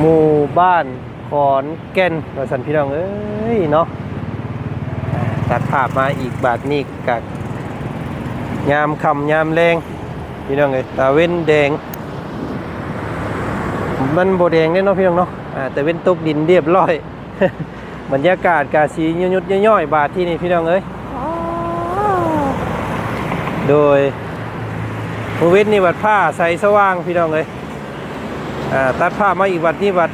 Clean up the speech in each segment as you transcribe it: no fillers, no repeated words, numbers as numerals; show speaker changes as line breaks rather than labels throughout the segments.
หมู่บ้านขอนแก่นว่าซั่นพี่น้องเอ้ยเนาะตัดภาพมาอีกบาทนี้กับยามค่ำยามแรงพี่น้องเอ้ยตาเว้นแดงมันโบแดงเนาะพี่น้องเนาะแต่เว้นตกดินเรียบร้อย บรรยากาศกาสียุดย่อยๆบาทที่นี่พี่น้องเอ้ยโดยภูเวศนี่วัดผ้าใสสว่างพี่น้องเอ้ยตัดผ้ามาอีกวัดนี้วัด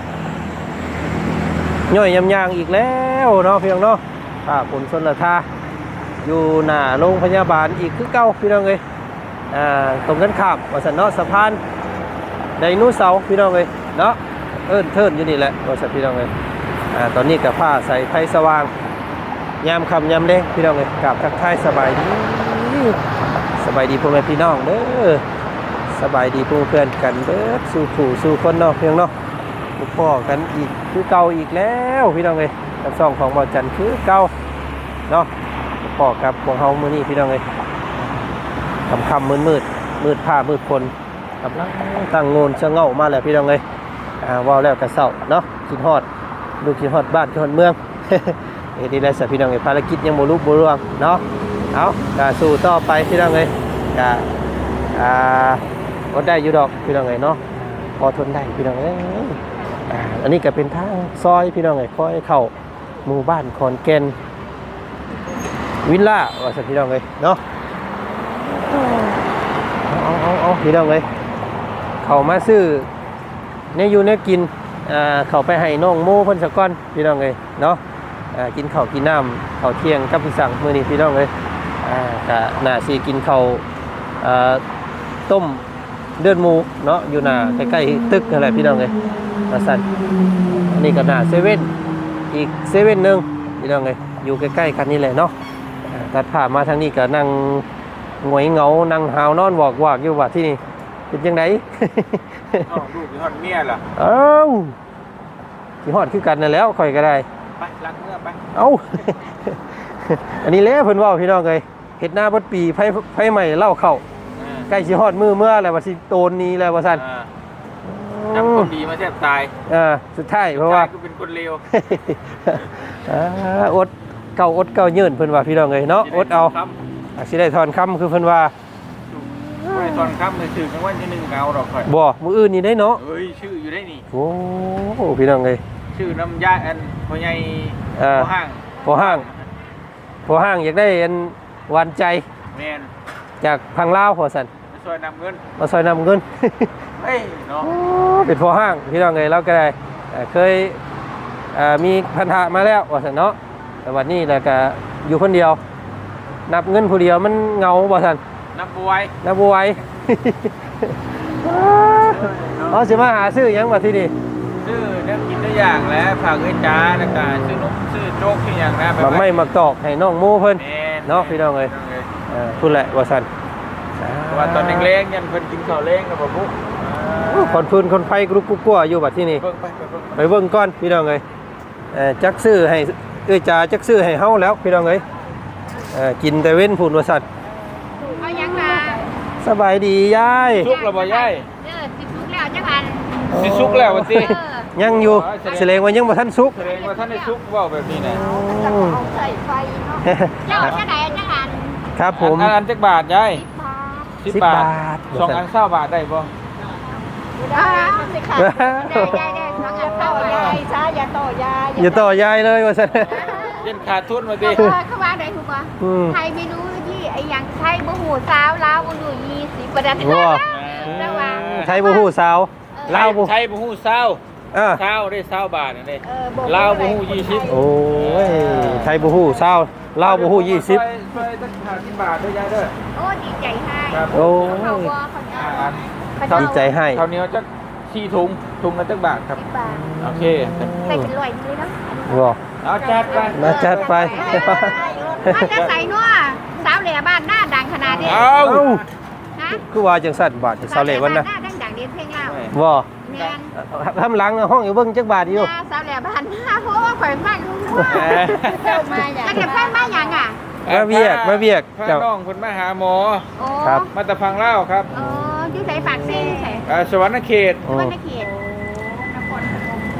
ย่อยยำยางอีกแล้วเนาะพี่น้องเนาะผ้าผลสนละทาอยู่หน้าโรงพยาบาลอีกคือเก่าพี่น้องเอ้ยตรงกันข้ามวัดสันเนาะสะพานไดโนเสาร์พี่น้องเอ้ยเนาะเอิ้นเทินอยู่นี่แหละวัดสันพี่น้องเอ้ยตอนนี้กับผ้าใส่ไฟสว่างยามค่ำยามแดงพี่น้องเอ้ยกราบทักทายสบายดีพ่อแม่พี่น้องเด้อสบายดีเพื่อนกันเด้อสู่ผู้สู่คนเนาะเพียงเนาะพ่อกันอีกคือเก่าอีกแล้วพี่น้องเอ้ยกับซ่องของบ่าวจันคือเก่าเนาะพ่อกับพวกเฮามื้อนี้พี่น้องเอ้ยค่ำมืดผ้ามืดคนกำลังตั้งโงนชะเง่ามาแล้วพี่น้องเอ้ยว้าวแล้วกระเซ้าเนาะคิดฮอดลูกคิดฮอดบ้านคิดฮอดเมือง นี่ได้สักพี่น้องเอ้ยภารกิจยังบ่ลุบ่ร่วงเนาะเอาสู้ต่อไปพี่น้องเอ้ยก็ได้อยู่ดอกพี่น้องเอ้ยเนาะพอทนได้พี่น้องเอ้ยอันนี้ก็เป็นทางซอยพี่น้องเอ้ยค่อยเข้าหมู่บ้านขอนแก่นวิลล่าว่าสักพี่น้องเอ้ยเนาะเอาพี่น้องเอ้ยเข้ามาซื้อเนี่ยอยู่เนี่ยกินเข้าไปให้น้องโม่เพิ่นสักก้อนพี่น้องเอ้ยเนาะกินข้าวกินน้ำข้าวเที่ยงกับพี่สั่งมื้อนี้พี่น้องเอ้ยก็น่าสิกินข้าวต้มเลือดหมูเนาะอยู่หน้าใกล้ๆตึกนั่นแหละพี่น้องเอ้ยว่าซั่นอันนี้ก็หน้าเซเว่นอีกเซเว่นนึงพี่น้องเอ้ยอยู่ใกล้ๆกันนี่แหละเนาะตัดภาพมาทางนี้ก็นั่งหงอยเหงานั่งหาวนอนวอกอยู่ว่าที่นี่เป็นจังได๋
ลูกสิฮอดเมียล่ะ
เอ้าสิฮอดคือกันนั่นแล้วข่อยก็ได้
ไปล้างเมื่อไป
เอ้า อันนี้แหละเพิ่นเว้าพี่น้องเอ้ยเฮ็ดหน้าบ่ปีไผใหม่เล่าเข้าใกล้สิฮอดมื้อเมื่อแล้วว่าสิโตนนี้แล้วว่าซั่น
จับคนดีมาแทบตาย
สุดท้ายเพราะว่า
คือเป็นคนเลว
อดเก่ายืนเพิ่นว่าพี่น้องเอ้ยเนาะอดเอาสิได้ถอนคำคือเพิ่นว่า
บ่ได้ถอนคำเลยชื่อกลางวันที่1ก็เอาดอกข่อย
บ่มื้ออื่นนี่ได้เนาะ
เอ้ยชื่ออยู่ได้นี่
โอ้พี่น้องเอ้ย
ชื่อน้ำยาอันพ่อใหญ่พ่อ
ห้างอยากได้อันหวานใจ
แม่น
จากพังลาวพอซั่น
มาซอยนำเงิน
เฮ้ยเนาะเป็นพ่อห้างพี่น้องเอ้ยเราก็ได้เคยมีพันธะมาแล้วว่าซั่นเนาะแต่วันนี้แล้วก็อยู่คนเดียวนับเงินผู้เดียวมันเหงาบ่ซั่น
นับบ่ไหว
อ๋อสิมาหาซื้อหยังบัดทีนี้
ซื้อเนี่ยกินได้อย่างแล้วฝากเอ้ยจ้าแล้วก็ซื้อนมซื้อโจ๊กซื้ออย่างนะ
บักไม่มักตอกให้น้องโม่เพิ่นเนาะพี่น้องเอ้ยพูดแหละว่าซั่น
ว่าตอนเล็กๆยันเพิ่นกินข้าวเล้งกับบ่ปุ๊
คนพื้นคนไฟกรุบกลัวอยู่บัดที่นี่ไปเบิ่งก่อนพี่น้องเอ้ยจักซื้อให้เอ้ยจ้าจักซื้อให้เฮาแล้วพี่น้องเอ้ยกินแต่เว้นพูนว่าซั่น
เอายังล่ะ
สบายดียาย
สุกแล้วบ่ยาย
สิสุกแล้วจังอัน
สิสุกแล้วว่าติ
ยังอยู่แสดงว่ายังบ่ทันสุก
แสดงว่าท่านได้สุกเว้าแบบนี้นะ
เอาใส่ไฟเนาะเจ้าจังได๋จังอัน
ครับผม
อันจักบาทยาย10 บาท2อัน20 บาทได้บ่
ได้สิค่ะได้2อัน20ยายช้าอย่าต่อย
ายเลยว่าซั่น
เล่นขาดทุนมาติ
เขาว่าได้ถูกป่ะไทยเมนูที่ไอ้หยังไทยบ่ฮู้สาวลาวบ่ฮู้20ประดับระวัง
ไทยบ่ฮู้สาว
ลาวไทยบ่ฮู้สาวเช้าได้20 บาทนั่นเด้ลาวบ่ฮู้20
โอ้ยไทยบ่ฮู้สาวลาวบ่ฮู้20
ช่วยตั้ง50 บาทด้วยยายเด้อ
โอ้ดีใจให้
โอ้ดีใจให้
คราวนี้จัก4ถุงละจักบาทครับโอเค
ใส่เป็น100เลยเนาะ
บ่
เอาจัดไป
มาจัดไป
มันจะใส่นัวสาวแหล่บ้านหน้าดังขนาดนี้
คือว่าจังสั่นบาทสาวแหล่วันน่ะ
หน้าดังเด่นเพลงลาว
บ่ทำหลังห้องอยู่เบิ่งจักบาทอยู่
สาวแหล่บ้านหน้าเพราะว่าข่อยมากเจ้ามาอย่างจะแพงมาอย่างอ่ะ
มาเวียก
เจ้าน้องเพิ่นมาหาหมอ
ครับ
มาตะพังเล่าครับ
อยู่ไสปากซี่อยู่ไส
สวรรณเขต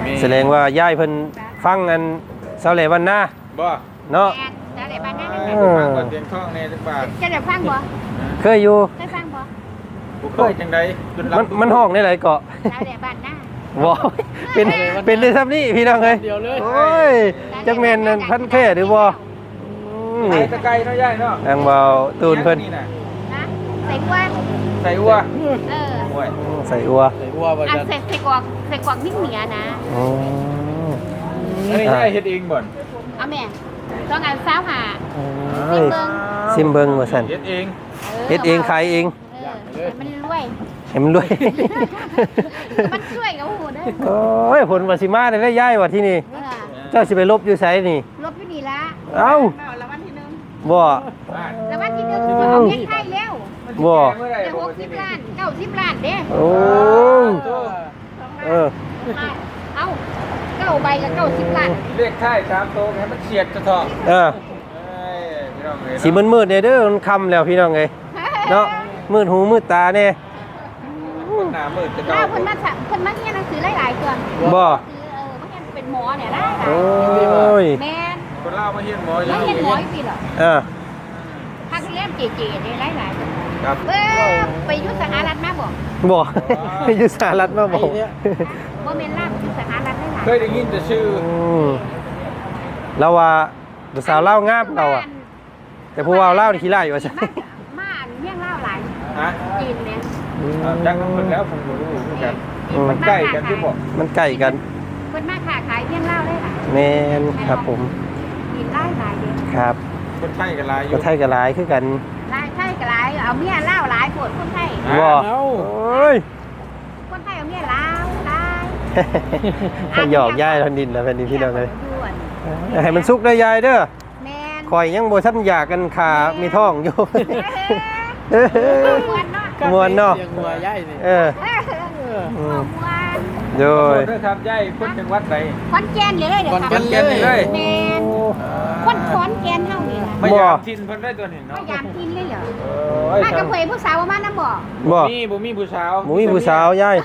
แสดงว่าย่ายเพิ่นฟังอันเสาแหลวันหน้า
บ่
เนาะ
แม่แล้วได้บ้านนั้น
ฟังก่อนเตียงท้องแน่จักบาท
จะได้ฟังบ่
เคยอยู่
เคยฟังบ่
บ่เคยจังไดจน
มันห้องได้หลายเกาะ
แล้วได้บ้านหน้า
บ่เป็นได้ซ้ำนี่พี่น้องเอ้ยโอ้ยจักแม่นนั่นพันแท้หรือบ่
ไอ้ตะไคร้เนาะยายเนาะ
ทางเบาตูนเพิ่น
นะใส่กวน
ใส่อัว
เออ
โอ้ย
ใส่อัว
อันใส่กวางนิ่งเหนียนะ
อ๋อ
อันนี้ยายเฮ็ดเองบ่น
เอาแม่ต้องการสาวหา
เอ้ยซิมเบิ่งว่าซั่น
เฮ็ดเอง
เฮ็ดเองขายเอง
มันรวย
ให้มันรวย
มันช่วยกับหูได้
โอ้ยผลว่าสิมาได้ย้ายว่าที่นี่เจ้าสิไปลบอยู่ไสนี่
ลบอยู่นี่ละ
เอ้า
แล้ววันที่หนึ่ง
บ่
แล้ววันที่หนึ่งเอาเงินไทยแล้ว
บ่
เมื่อไหร่
เดี๋ยว60 ล้าน90 ล้านเด้
โอ้เออ
เอ้า9ใบกับ90 ล้าน
เลขท้าย3โตวให้มันเฉียดจะเถาะ
เออ
เอ้ยพี่น้องเอ้ย
สิมืดๆเนี่ยเด้อมันค่ำแล้วพี่น้องเอ้ยเนาะมืดหูมืดตาแน่
คนหน้ามืดจะ
หน้า
เก่า
เพิ่นมาเรียนหนังสือหลายๆตัว
บ่
คือมาเรียนเป็นหมอเนี่ยได้
โอ้ย
แม่น
คนเล่ามาเฮียนหมออ
แล้
ยู่
วเรียนหมออีกปีเหรอ
เออ
ภาคเรียนเก๋ๆเนี่ยหลายๆตัว
ครับ
ไปอยุทธสหรัฐมาบอก
บ่อยู่สหรัฐมาบ่
ว่าเมนล่าอยุทธสหรัฐได้หลาย
เคยได้ยินแต่ชื่อ
เราว่าผู้สาวเล่างามเราอ่ะ แต่ผู้ว่าเล่านี่ขี้ไล่ว่าซั่น
มาเมี่ยงเล่าหลาย
ฮะ
จีนเนี่ย
จักน้ำเพิ่นแล้วผมก็รู้เหมือนกันมันใกล้กันที่บอก
มันใกล้กัน
คนมาขาขายเมี่ยงเล่าได้หลาย
แม่นครับผม
จีนไล่หลายเดียว
ครับ
คนไทยกันหลายอ
ก็
ยู่
ไทยก็หลายคือกัน
หลายไทยกับหลายเอาเมี่ยเล่าหลายปวดคนไทย
บ่โอ้ย
คนไทยเอาเมี่ยเล่าหลาย
ให้หยอกย่ายทันดินแล้วแผ่นดินพี่น้องเลย
ด่วน
ให้มันสุกได้ยายเด้อ
แมน
คอยยังบ่ทันอยากกันขามีท้องอยู่
มวนเนาะ
มวนเนาะ
เสียงหัวใหญ่นี่
เออ
มวน
โดย
เด้อครับยายคนจังหวัดใด
คอนแกนเลยเดี๋ยว
ขอนแก่นเลย
แมนคนคอนแกนเท่านี้ล่ะ
ไม่ยามทินเพิ่นได้ตัวนี้
พ
เนาะ
ยายามกินเลยเหรอ
เอ้ย
มากระเพยผู้สาวมาน้ำบ่
บ่
บ่มีผู้สาว
หมูมีผู้สาวยาย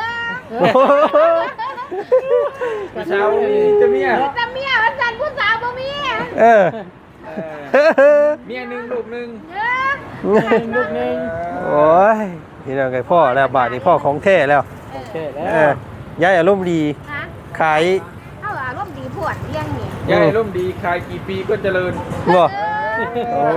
ผู้สาวมีจะเมีย
แต่เมียวันจันทร์ผู้สาวบ่มี
เออ
เมียหนึงลูกหนึง
ลูกนึง
โอ้ยพี่น้องไงพ่อแล้วบาทนี้พ่อของแท้แล้ว
โอเคแล้
เอ
ว
อยายอารมณ์ดี
ฮะ
ขาย
เอาอารมณ์ดีพวดเลี้ยงนี่
ยายร่มดีขายกี่ปีก็เจริญ
บ่โอ้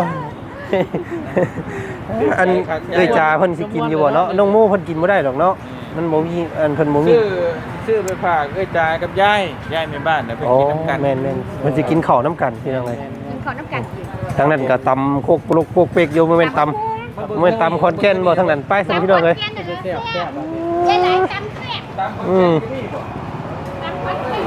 อันเอ้ยจ่าเพิ่นสิกินอยู่บ่เนาะน้องโมเพิ่นกินบ่ได้หรอกเนาะมันบ่มีอันเพิ่นบ่มี
ซื้อไปฝากเอ้ยจากับยายแม่บ้านน่ะไป
โอ้
กินน้ำกัน
แม่นๆเพิ่นสิกินข้าวน้ำกันพี่น้องเอ้ย
กินข้าวน้ำกันกิน
ทั้งนั้นก็ตำโคกปลุกโคกเปกอยู่บ่แม่นตำบ่แม่นตำคอนแก่นบ่ทั้งนั้นไปซั่นพี่น้องเอ้ย
แซ่บแซ่บใช่หลายจำแซ่บ
ตามคน
อืม
ที่นี่บ่
จำคอนแกน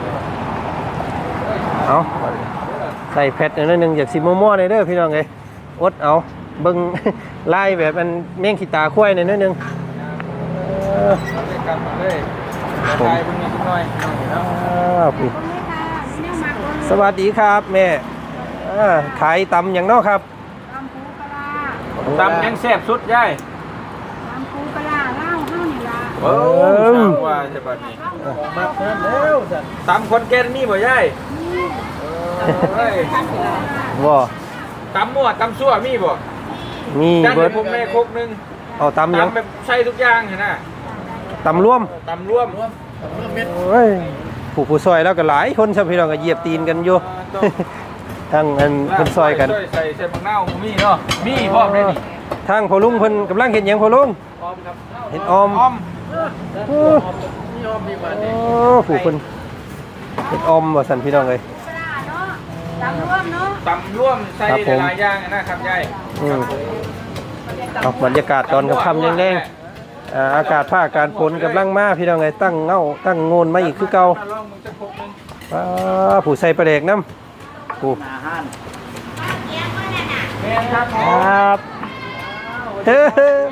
เอาใส่แพทนิดนึงอยากสิมั่วๆหน่อยเด้อพี่น้องเอ้ยอดเอาเบิ่ง ไล่แบบมันแม่งขี้ตาควายหน่อยนิดนึง
เอาไปกลับมาเลยทายพวกนี้สักหน่อยเนาะ
พี่
คนไม่ค่ะแนวมากเลย
สวัสดีครับแม่ขายตำอย่างเนอกครับ
ตำปูปลา
ตำยังแซ่บสุดยาย
ตำปูปลาเล่าเท่านี่ละ
โอ้สาวว่าจะบัดนี้
มาเพิ่มแล้วสัน
ตำคนแก่นนี่บ่ยายเฮ้ย
บ่
ตำมั่วตำซั่วมีบ่
มี
จัน
เบิ
ให้
ด
ผมแม่คกนึง
เอาตำหยัง
ตำแบบใส่ทุกอย่างเห็นน่ะ
ตำร่วม
ตำร่วม
เพิ่มเม็ด
โอ้ยผู้ซอยแล้วก็หลายคนชาวพี่น้องก็เหยียบตีนกันอยู่ ทั้งอันเพิ่นซอยกัน
ใส่ผักเน่ามีเนาะมีพร้อมได้นี่
ทางพ่อลุงเพิ่นกำลังเห็นหยังพ่อลุง
พร้อมครับ
เห็นออม
อ้อม
นี่ออมดีกว่า
โอ้
นี่
ผู้เพิ่นเห็นออมว่าซั่นพี่น้องเอ้ย
ปลาเนาะตำร่วมเนาะ
ตำร่วมใส่
ครับผม
หลายๆอย่างนะครับยาย
อืมเอาบรรยากาศตอนค่ำๆแรงๆอากาศภาคการฝนกำลังมาพี่น้องเอ้ยตั้งเงาตั้งโงนมาอีกคือเก่า
ลองมึงจะคกนึง
ผู้ใส่ประเดกน้ำผู้
อาหาร
แม่นครับ
ครับเฮ้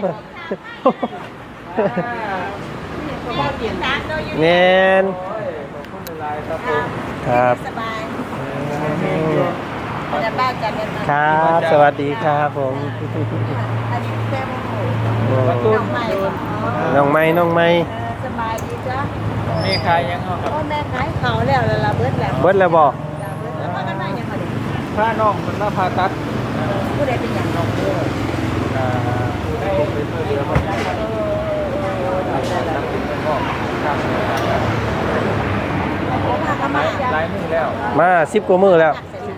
เนน
โอ้ยขอบคุณหลายๆครับผม
ครับ
สบายจะบ้านจะเป็น
ครับสวัสดีครับผม
อันนี้เต็มหมู
ประตู
น้องใหม่
น้องไม้น้องไม้
สบายดีจ้ะ
มีขายยังเอาครับ
พ่อแม่ขายเขาแล้วละเบิดแล้ว
เบิดแล้วบ่
แล้วพากันมาอย่างไร
ผ้าน้องมันละผ้าตัด
ผู้ใดเป็นอย่างน้องเด้อ
ได้เป็นเรือมัน
พากันมาจาก
ลายมือแล้ว
มา10กว่ามื้อแล้ว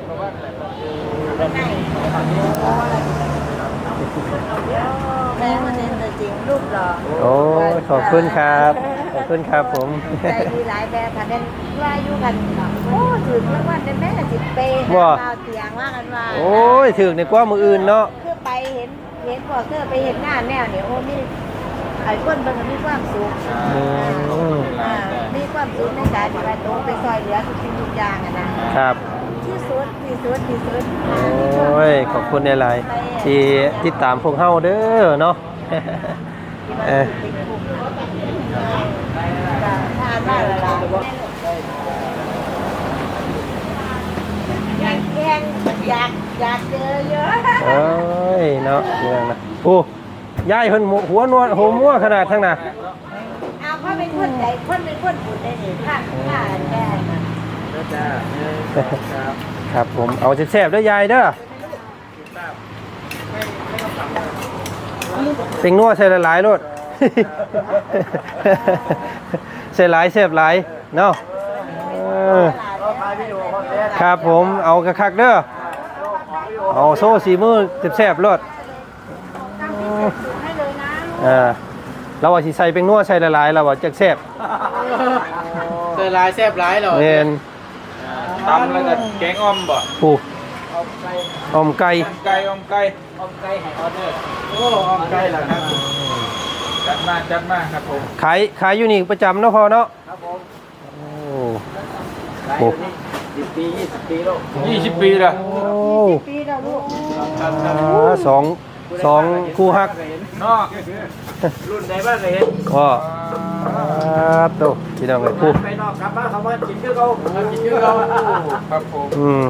แม่มันเป็นจริงรูปหล่อ
โอ้ยขอบคุณครับขอบคุณครับผม
ใจดีหลายแบบค่ะเด่นว่าอยู่กันโอ้ถึงรางวัลเป็นแม่สิบเปย์เราเตียงว่ากันว่า
โอ้ยถึกในกว่ามื้ออื่นเนาะ
คือไปเห็นพอเคือไปเห็นหน้าแนวเนี่ยโอ้มีไอ้คนมันมีความสุขมีความสุขในการที่ว่าโตไปซอยเหลือทุกสิ่งทุกอย่างอะนะครับ ที่สุดที่สุดที่สุด
โอ้ยขอบคุณหลายๆที่ติดตามพวกเฮาเด้อเนาะ
ทานมากเลยล่ะอยากเจอเยอะ
เอ้ยเนาะเรื่องนะโอ้ยายเพิ่นหัวนวดโหมั่วขนาดทั้งน่ะ
เอาพ่อเป็นคนใจคนเป็นคนบุญได้หนิค่ะแก่นะ
ครับผมเอาแซ่บๆเด้อยายเด้อเป็นนัวใส่หลายๆโลด ใส่หลายแซ่บหลายเนาะครับผมเอาคักๆเด้อเอาโซ่สีมือแซ่บๆโลด
ให้เลยนะ
เราว่าสิใส่เป็นนัวใส่หลายๆเราว่าจักแซ่บ
เจอลายแซ่บหลายเหรอ
แม่น
ตำแล้วก็แกงอ้อมบ่
ปูอมไก่
ไก่อ้อมไก่
ออมไก่ให้ออเดอร์โอ้ออมไก่เหรอครับ
จัดมาครับผม
ขายอยู่นี่ประจำเนาะพอเนาะ
ครับผม
โอ้
ขายอยู่นี่10 ปี 20 ปีแล้ว
20 ปีแล้ว
โอ้
ปีแล้วลูก
สองคู่ฮัก
เนาะ
รุ่นไหนบ้างเคยเห็น
ก็โตพี่น้องเลยคู่
ไปนอกกลับบ้านเขาว่ากินชื่อเขากินชื่อเขา
ครับผม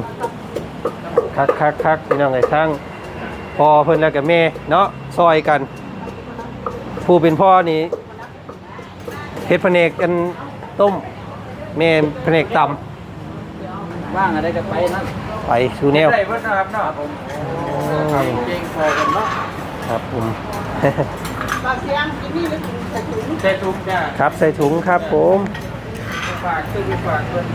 คักพี่น้องเลยทั้งพ่อเพิ่นแล้วกับแม่เนาะซอยกัน ผู้เป็นพ่อนี่เฮ็ดแผนกกันต้มแม่แผนกต
ว่างอะไรก็ไปนั่น
ำไปสู่แนว
ได้เพิ่นนะครับเนาะผม
เก่งพอกันเนาะ
ครับผม
ปากเสียงกินนี่หรือกินแต่ถุง
ใส่ถุงจ้า
ครับใส่ถุงครับผม
ฝากซื้อฝากเพิ่น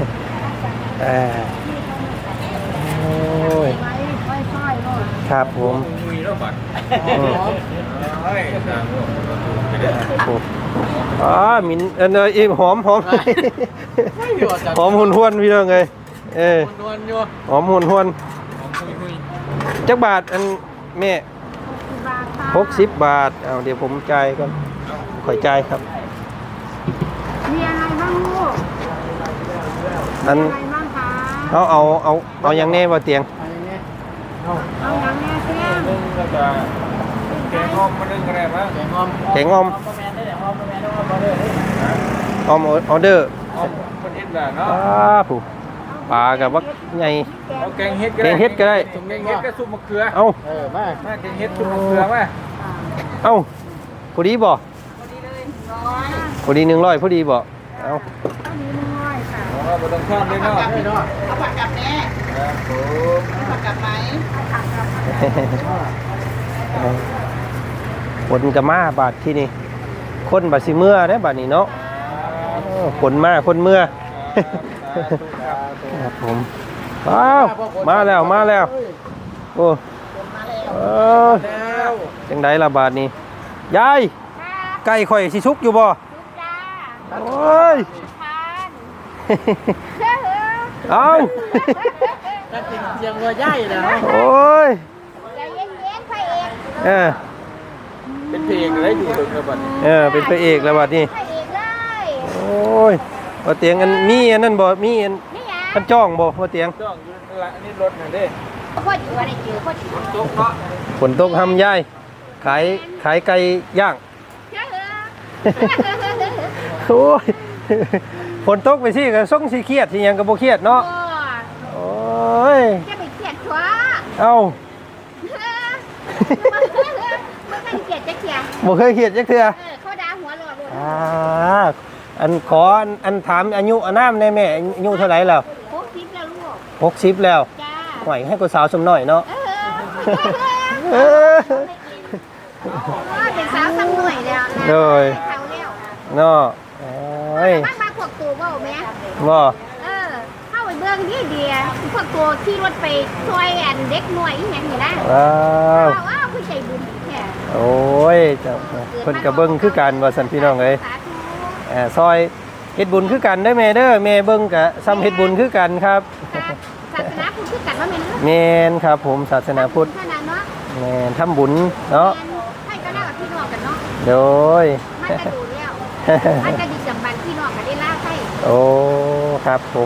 โอ้ย
ไว้ค่อยๆลูก
ครับผม
มีแล้วบัดเฮ้ยตามลูก
อ๋อมินอีหอมหอมหุ่นหวนพี่น้องเลย
นวลอยู่
หอมหุ่นหวน
คุย
จักบาทอันแม่
บาทค่ะ
60 บาทเอาเดี๋ยวผมจ่ายก่อนข่อยจ่ายครับ
มีอะไรบ้างลูก
อัน
อะไรบ้างคะ
เอาอย่างแน่บ่เตียง
เอาอย่างแม่เสียง
นึงแล้วก็แกงอ้อมมานึงอะไรบ้าง
แกงอม
แกงอม
แมนได้แต่อมแมนได้อมเลย
ออมออเดอร์
อ้อมคนเฮ็ดแบบเนาะ
ผู้ปลากับว่าใหญ่
เอาแกงเฮ็ดก็
แก
ได้
งเฮ็ดก็ได้
แกงเฮ็ดก็ซุปมะเขือ
เอา
มา
มาแกงเฮ็ดซุปมะเขือมา
เอาพอดีบ่พอดี100พอดีบ่เอา
เราบ่ต้องทอดเลยเนาะ
เอาผักกับแม่
ครับผม
ผักกับไหม
คนกะมาบาทที่นี่คนบาดสิเมื่อได้บาดนี้เนาะคนมาคนเมื่อครับผมว้าวมาแล้วโอ้จังไดล่ะบาทนี้ยายไก่ข่อยสิสุกอยู่บ่
จ้า
โอ้ย
ทานเชื่อเหรอ
เอา
ถ้ากินเสียงวัวใหญ่แล้ว
โอ้ย
ใจเย็นๆพระเอก
เป็นเพลงอะไรอยู่ถึงบัดนี้
เป็นพระเอกแล้วบาดนี้
พระเอกเลย
โอ้ยบ่เตียงอันมีอันนั้นบ่มีอัน
นี่ไง
อันจ้องบ่บ่เตียง
ต้องอยู่ละนี่รถน่ะเด้
พ่อจิ๋วอะไรจิ๋วพ่อจิ๋ว
ตกเนาะ
ฝนตกทำยายขายไก่ย่าง
เชื่อเหรอ
โอ้ยฝนตกไปสิก็ส่งสิเครียดสิหยังก็บ่เครียดเนาะโอ้ย
จะไปเกลียดชัว
เอ้า
ไม่เคยเกลียดจะเกลียด
บ่เคยเครียดจักเทื่อ
เขาด่าหัวหลอดเลย
อ่าอันขออันถามอายุอานามได้แม่อายุเท่าไหร่แล้ว
60แล้วลูก
60แล้ว
จ้า
หอยให้กูสาวสมหน่อยเนาะ
เออเป็นสาวสักหน่อยแล้ว
โดย
เขาแล้ว
เนาะโอ้ย
มาพวกตัวบ่แม่
บ่
เข้าไปเบิ่งนี่เดียพวกตัวขี่รถไปช่วยอันเด็กหน่วยอีหยังนี่นะ
ว้าว
ว้าวคือใจบุญแท้
โอ้ยเจ้าเพิ่นก็เบิ่งคือกันว่าซั่นพี่น้องเอ้ย
สาธุ
ซอยเฮ็ดบุญคือกันเด้อแม่เด้อแม่เบิ่งก็ซ้ำเฮ็ดบุญคือกันครับ
ศาสนาพุทธคือกันว่าแม่นเนาะ
แม่นครับผมศาสนาพุทธ
ขนาดเนาะ
แม่นทำบุญเนาะ
ให้ก็เล่ากับพี่น้องกันเนาะ
โดย
มันจะดูแล้วมันจะดีจำบันพี่น้องกันได้ล่าให้
โอ้ครับผม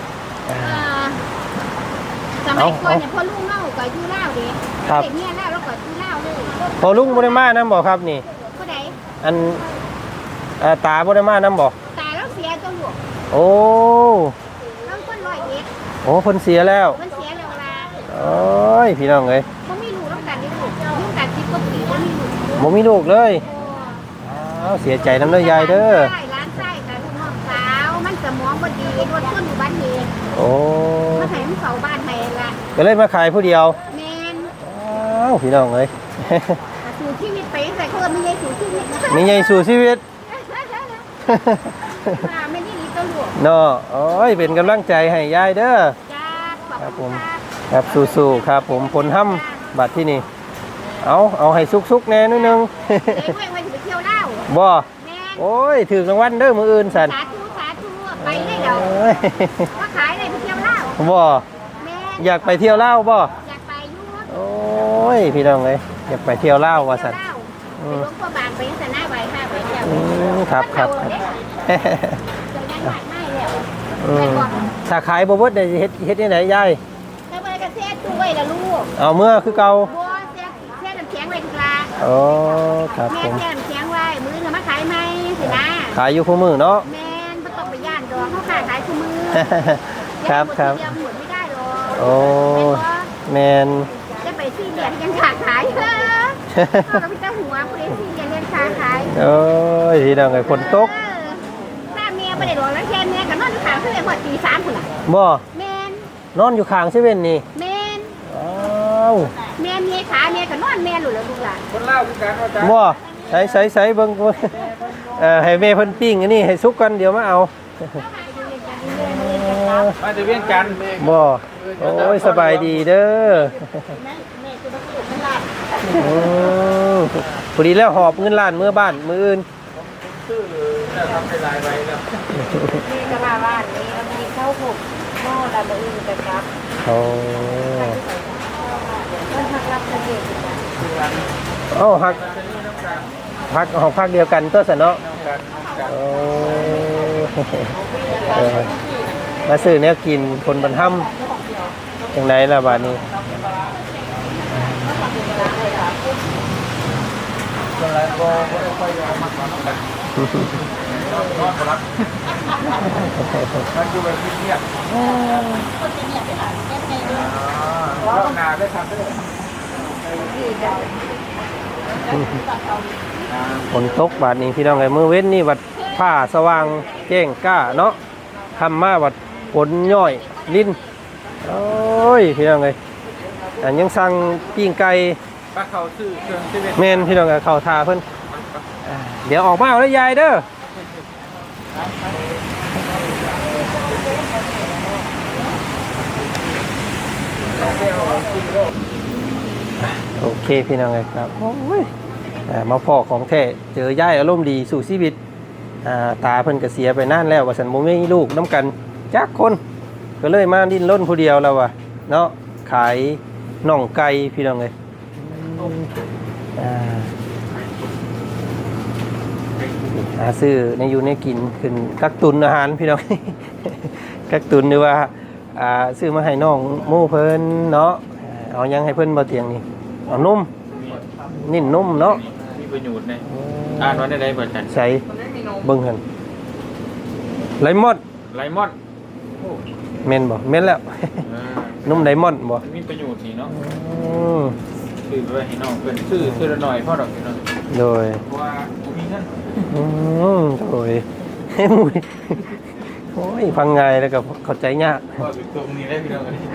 สมัยก่อนเนี่ยพ่อลุงเล่ากับยู่เล่าเด้เด็กเนี่ยเล่าแล้วก็ยู่เล่าเลย
พอลุงบ่ได้มานํบ่ครับนี่
ผู้ใด
อันตาบ่ได้มานํบ่
ตายแล้วเสียตัวลูก
โอ้
แล้วคนร้อยเอ็ด
โอ้เพิ่นเสียแล้ว
มันเสียเร็วลา
โอ้ยพี่น้องเอ้ย
มันไม่รู้แล้วกันได้ลูกยุ่งกันคิดก็ปีว่ามีลูก
บ่มีลูกเลยอ้าวเสียใจนำเด้อยายเด้อ
ใช่ร้านไส้กับลูกน้องสาว มันสมองบ่ดีรถชนอยู่บ้านเหตุ
โอ้
มาให้มันเฝ้าบ้านให้ละ
ก็เลยมาขายผู้เดียว
แมน
อ้าวพี่น้องเอ้ย
สู่ชีวิตไปใส่คนไม่ใช่สู่ชีวิตนะ
มีใหญ่สู่ชีวิต
ไม่ได้ดีตัวหลวง
เนาะโอ้ยเป็นกำลังใจให้ยายเด้อ
จ้าขอบ
ครับผ
คุณ
ม
ค่ะ
ครับสู้ๆครับผมผลห้ำบัตรที่นี่เอาให้ซุกๆแน่นิดนึง
เอ้ยไว้ไปเที่ยวเล่า
บ่
แม่
โอ้ยถือรางวัลเด้อมืออื่นสัน
สาธุสาธุไปได้เดี๋ยว
โอ้ย
มาขายอะไรไปเที่ยวเล่า
บ่
แม่
อยากไปเที่ยวเล่าวบ่
อยากไปยุ่ง
โอ้ยพี่น้องเลยอยากไปเที่ยวเล่าวว่าสัน
ไปหลวงพ่อบางไปยังแต่หน้าไว้ค่ะไปเที่ยว
ครับครับ
เดี๋ยวยังหวานไม่แล้ว
อืมถ้าขายบ่เบิดได้เฮ็ดที่ไหนยาย
แล้วไปกระเซ็ตู้ไว้ละลูก
เอาเมื่อคือเก่า
บัวเสียน้ำแข็งไว้ทุกลา
โอ้ครับ
แม่
ผม
เสียน้ำแข็งไว้มือจะมาขายไหมสินะ
ขายอยู่คู่มือเนาะ
แม่นไม่ต้องไปย่านดอกเขาขายคู่มือ
ครับครับ
เดียวหมดไม่ได้หรอก
โอ้แมน
จะไปซี่เรียนยังขาขายเออเราพี่เจ้าหัวผู้ใดซี่เรียนยังขาขาย
โอ้ยพี่น้องไอ้ฝนตก
ถ้าเมียไม่ได้ดอกแล้วแค่เมียกับนอนอยู่ขางเพื่อนหมดตี3คนละ
บ่
แม่น
นอนอยู่ข้างเซเว่นนี่
แม่น
อ้าว
เมียขาเมียกับนอนแม่หลุดแล้วลูกหลาน
คนเล่าคือกันว่าจ้า
บ่ใส่เบิ่งให้แม่เพิ่นปิ้งอันนี้ให้สุกกันเดี๋ยวมาเอา
มาจะเวียงจันทน์
บ่โอ้ยสบายดีเด้อโอ้พอดีแล้วหอบเงินล้านเมื่อบ้านมื้ออื่น
ชื่อเนี่ยทำเป็นลายไว้แล้ว
นี่ก็มาบ้านนี้มีเข้าผูกหม้อระเบิดแต่ครับ
โอ้
มันพักรับเสด็จ
เอ้าฮักของพักเดียวกันตัวซะเนาะโอ้มาซื้อแนวกินคนบรรทัมจังไดล่ะบาดนี้
อะไรก็ไม่ค่อยยอมมากกว่านั้นนอนบ่รับมันอยู่แบบเงียบรอบหน้าได้ทำได้
ฝนตกบาดนี้พี่น้องไงมื้อเว้นนี่วัดผ้าสว่างแจ้งกล้าเนาะทำมาวัดฝนย่อยลิ้นโอ้ยพี่น้องไงอันยังสั่งปิ้งไก่
ป้าเขาซื้อเครื่องที่เป็น
แม่นพี่น้องก็เข้าทาเพิ่นเดี๋ยวออกมาเอาแล้วยายเด้อโอเคพี่น้องไงครับโอ้ยมาพ่อของแท้เจอยายอารมณ์ดีสู่ชีวิตตาเพิ่นก็เสียไปนานแล้วว่าสันบ่มีลูกน้ำกันจักคนก็เลยมาดิ้นรนผู้เดียวแล้วว่ะเนาะขายน่องไก่พี่น้องเลยซื้อในอยู่ในกินขึ้นกักตุนอาหารพี่น้อง กักตุนหรือว่าซื้อมาให้น้องหมู่เพิ่นเนาะเอายังให้เพิ่นบ่เตียงนี่เอานุ่มนิ่นนุ่มเนาะ
มีประโยชน์เนี่ยอ่านวันได้เปิดกัน
ใส่เบิ่งหั่นไลมอน
ไลมอน
แม่นบ่แม่นแล้ว นุ่มไลมอนบ่
มีประโยชน์นี่เนาะ
อืม
ซื้อไปให้น้องเป็นซื้อละหน่อยพ่อดอกนี่เนาะ
โดย
เพราะว่ามีเงิน
โดยมุยโอ้ยฟังไงแล้วก็เข้าใจยาก
ก็อยู่ตรงนี้ได้พี่น้องกัน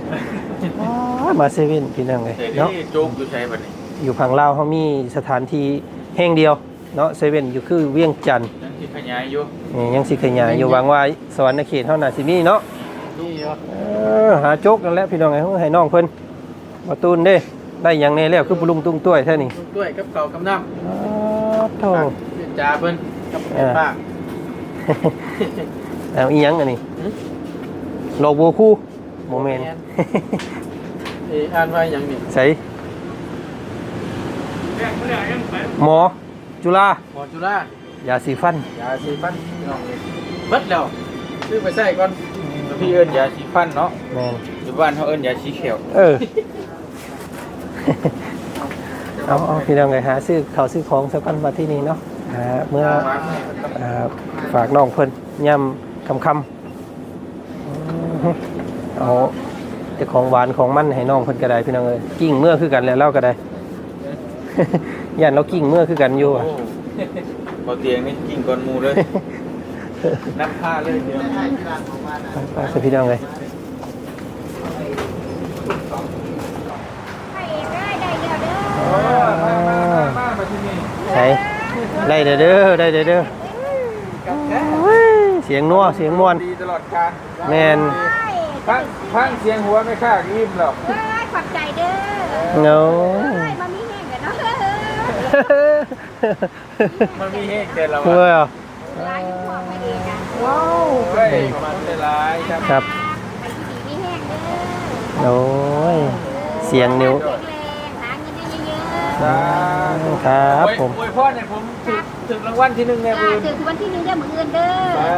มาเซเว่นพี่น้องเลย
แต่
เนาะ
นี่โจ๊กอยู่ใช้บัดนี้
อยู่ฝั่งลาวเขามีสถานที่แห่งเดียวเนาะเซเว่นอยู่คือเวียงจันทน์
ยังที่ขยายอยู่
ยังสิขยายอยู่หวังว่าสวรรค์เขตเท่าน่ะสิมีเนาะ
นี่เหรอ
หาโจกนั่นแหละพี่น้องไงให้น้องเพิ่นมาตูนเด้ได้หยังแน่แล้วคือปรุงตุ้งต้วยแท้นี่
ด้วยกับเก่ากับน้
โธ่
ำจ่าเพิ่นกับป้า
เอาอีหยังอันนี้โลโบคู่โมเมนต์
อ่านว่าอย่างนี้
ใส่หมอจุฬา
หมอจุฬาย
าสีฟัน
ยาสีฟันพี่น้องเลยเบิดแล้วซื้อไปใส่ก่อนแล้วพี่เอิ้นยาสีฟันเนาะ
แม่น
อยู่บ้านเขาเอิ้นยาสีเขียว
เอาพี่น้องไงหาซื้อเขาวซื้อของสักกันมาที่นี่เนาะเมื่อฝากน้องเพิ่นย่ำคำเอาแต่ของหวานของมันให้น้องเพิ่นก็ได้พี่น้องเอ้ยกิ้งเมื่อคือกันแล้วเล่าก็ได้ ย่านเรากิ้งเมื่อคือกันอยู่อะ
พอเตียงนี่กินก่อนหมูเลยนับผ้าเลยเดียว
ไปสิพี่น้องเลย
มาที่นี่
ใส่ได้เด้อได้เด้อเสียงนัวเสียงมวน
ดีตลอดการ
แมน
พังเสียงหัวไม่ค่ายิ้มหรอก
ขอบใจเด้อ
เนาะ
มามีแห้งกันเนาะ
มันมีเฮกแต่เรา
เพื่อ
ลายหัวไม่ดีกัน
ว้าวเฮ้ยมันได้หลายครับ
ครับ
ไปที่ดีมีแห้งเด้อ
โอ้ยเสียงนิ้ว
แข็งแรงหาเงินได้เยอะๆ
ครับผม
อวยพรเนี่ยผมถึงรางวัลที่หนึ่งในมือ
ถึงวันที่หนึ่งได้เหมือนเงินเด้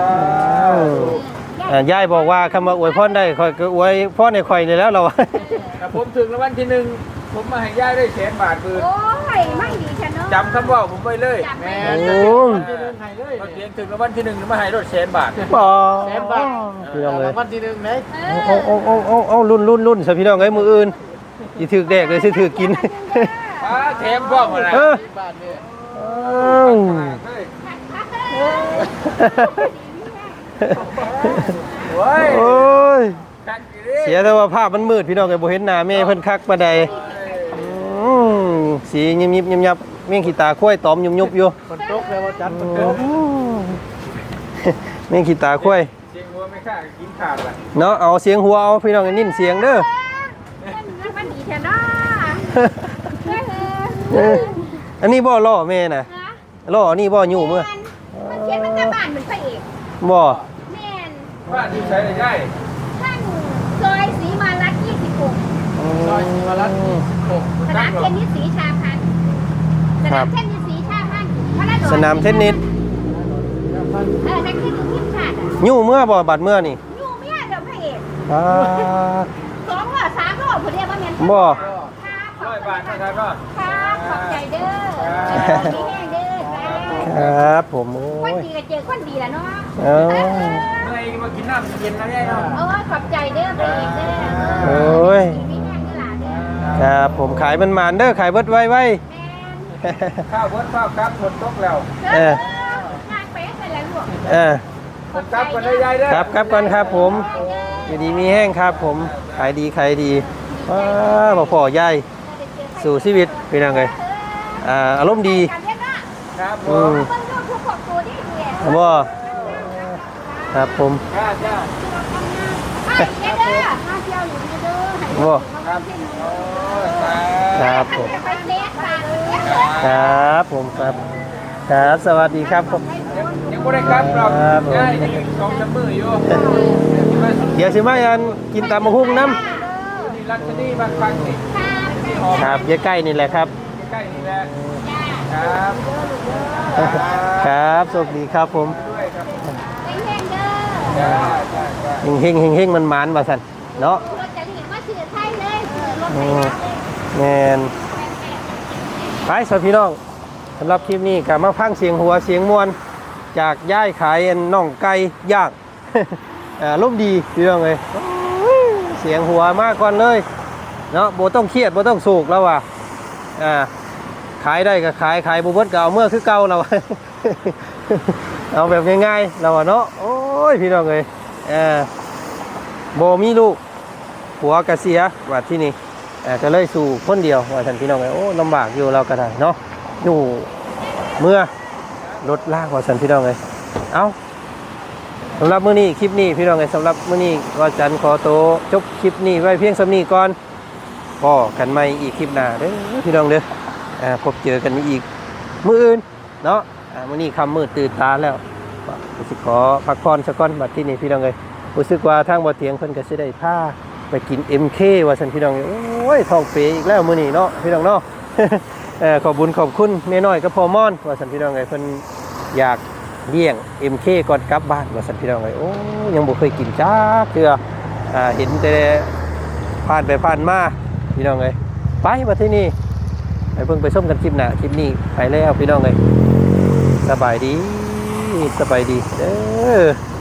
อ
ยายบอกว่าคำว่าอวยพรได้คอยก็อวยพรในข่อยนี่แล้วเรา
แต่ผมถึงรางวัลที่หนึ่งผมมาให้ย่ายได้100,000 บาทมือ
โอ้ยไม่ดีฉันเนาะ
จำคำว่าผมไว้เลย
จำไว้
แม่
โอ้
ที่หนึ่งให้เลยเขาเตียงถึงรางวัลที่หนึ่งมาให้รถ100,000 บาท
บ่
แสนบาท
พี่น้องเลย
รางวัลที่หนึ่งไหน
เอารุ่นซะพี่น้องเอ้ยมืออื่นสิถือแดกเลยสิถือกิน
ป้าแถมพ่อมาแล้ว
เออ
บ้านเนี่ย โอ้ย
โอ้ย
กักอีกดิ
เสียแต่ว่าภาพมันมืดพี่น้องไอ้บ่เห็นหน้าแม่เพิ่นคักปานใดสียิบยับเมี่ยงขี้ตาข้วยตอมยุบอยู่
ฝนตกเลยว่าจัดฝนตก
เมี่ยงขี้ตาข้วย
เสียงหัวไม่ค่ากินขาดละ
เนาะเอาเสียงหัวเอาพี่น้องนิ่นเสียงเด้อ
มันดีฉันเนาะ
อันนี้บ่ล่อแม่น่ะล่ออันนี้บ่อยู่มื้อ
มันเขียนมันจะบ้านเหมือนพระเอก
บ่
แม่น
บ้านที่ใช้ได้ง่าย
ท่านซอยศรีมารัตน์26
ซอยศิวรัตน์26
สนามเทนนิสศรีชาพันธ์สนามเทนนิสศรีชาพันธ์พระราช
สนามเทนนิส
นักเทนนิสทีมชาติอ่ะ
อยู่เมื่อบ่บัดเมื่อนี่
อยู่ไม่ได้เดี๋ยวพระเอก
อ่า
2 รอบ 3 รอบผมเรียกว่าแม่น
บ่
100 บาทนะครับก็
ครับขอบใจเด้อมีแห้งเด้อ
ครับผมโอ้
คน
ย
ดีก็เจอคนดีแหละเนาะ
เอ้า
เมื่อยมากินน้ำเย็นนะเนี่ยเนาะ
โอ้ยขอบใจเด้อพระเอกเด้อ
โอ้ย
มีแห้งเด้อหลานเด้อ
ครับผมขายมันมานๆเด้อขายเบิดไว้
แม่น
ข้าวเบิร์ดข้าวครับฝนตกแล้ว
เอองานเป๊ะไปแล้วลูก
ผมกลับกันได้ยายเด้อ
ครับก่อนครับผมอยู่ดีมีแห้งครับผมขายดีว้าบ่พอยายสู่ชีวิตพี่น้องเอ้ยอารมณ์ดี
การเรียนว่า
ครับผ
อื
ม
ม
เพิ่นดูทุกครอบครัวที่ดีอ่ะ
บ่ครับผม
จ้าจ้า
เด้อมาเที่ยวอยู่นี่เด้อ
บ่
ครับโอ้ยตา
ครับผม
ไปเลี้ยงปลา
ครับผมครับครับสวัสดีครับผม
ยังไม่ได้กลับหรอก
ครับผม
ยายยังอีก2-3 มื้ออยู่
เดี๋ยวสิมาอันกินตำมะฮุ่งน้ำ
นี่รัชนีบางครั้งนี่
ครับใกล้ๆนี่แหละครับ
ใกล้นี่แหละครับ
ครับสวัสดีครับผม
ด้วยครับ
ไปแห้งเด้อ
จ้าจ้าจ้า
เฮงมันหมานว่าซั่นเนาะ
รถจะนี่มาซื้อไทยเลยซื้อรถไท
อื
ย
มแม่นไปสวัสดีพี่น้องสำหรับคลิปนี้ก็มาพังเสียงหัวเสียงมวนจากย่ายขายน่องไก่ย่าง ร่มดีพี่น้องเลยเสียงหัวมากก่อนเลยเนาะโบต้องเครียดโบต้องโศกแล้วว่ะขายได้ก็ขายบ่เบิดก็เอาเมื่อคือเก่าแล้ว คเอาแบบง่ายๆเราอะเนาะโอ้ยพี่น้องเอ้ยบ่มีลูกผัวก็เสียว่าที่นี่ก็เลยสู่คนเดียวว่าท่านพี่น้องเอ้ยโอ้ลำบากอยู่เราก็ได้เนาะอยู่เมื่อรถลากว่าท่านพี่น้องเอ้ยเอาสำหรับมื้อนี้คลิปนี้พี่น้องเอ้ยสำหรับมื้อนี้ก็จันขอโตวจบคลิปนี้ไว้เพียงส่ำนี้ก่อนพอกันใหม่อีกคลิปหน้าเด้อพี่น้องเด้อพบเจอกันอีกมื้ออื่นเนาะมื้อนี้ค่ำมืดตื่นตาแล้วก็สิขอพักผ่อนสักก่อนบัดที่นี่พี่น้องเอ้ยรู้สึกว่าทางบ่เตียงเพิ่นก็สิได้พาไปกิน MK ว่าซั่นพี่น้องเอ้ยโอ้ยท้องเปอีกแล้วมื้อนี้เนาะพี่น้องเนาะ ขอบบุญขอบคุณแม่น้อยกับพ่อม่อนว่าซั่นพี่น้องเอ้ยเพิ่นอยากเลี้ยง MK ก่อนกลับบ้านว่าซั่นพี่น้องเอ้ยโอ้ยังบ่เคยกินจ้าเทื่อเห็นแต่ผ่านไปผ่านมาพี่น้องเอ้ยไปบัดที่นี่ไปเพิ่งไปชมกันคลิปหน้าคลิปนี้ไปแล้วพี่น้องเอ้ยสบายดีเด้อ